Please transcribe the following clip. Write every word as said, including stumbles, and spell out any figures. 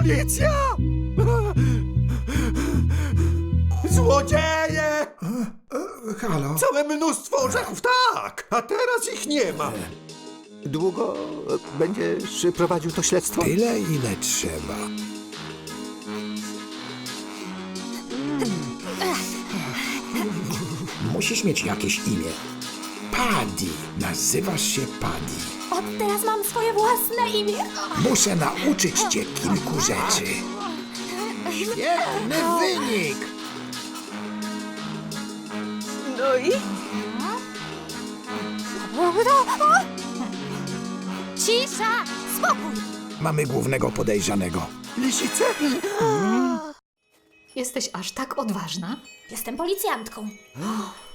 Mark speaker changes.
Speaker 1: Policja! Złodzieje!
Speaker 2: Halo?
Speaker 1: Całe mnóstwo orzechów, tak! A teraz ich nie ma. Długo będziesz prowadził to śledztwo?
Speaker 2: Tyle, ile trzeba. Musisz mieć jakieś imię. Paddy. Nazywasz się Paddy.
Speaker 3: Od teraz mam swoje własne imię.
Speaker 2: Muszę nauczyć cię kilku rzeczy. Świetny wynik!
Speaker 3: No i? Cisza! Spokój!
Speaker 2: Mamy głównego podejrzanego.
Speaker 1: Lisice?
Speaker 4: Jesteś aż tak odważna?
Speaker 3: Jestem policjantką.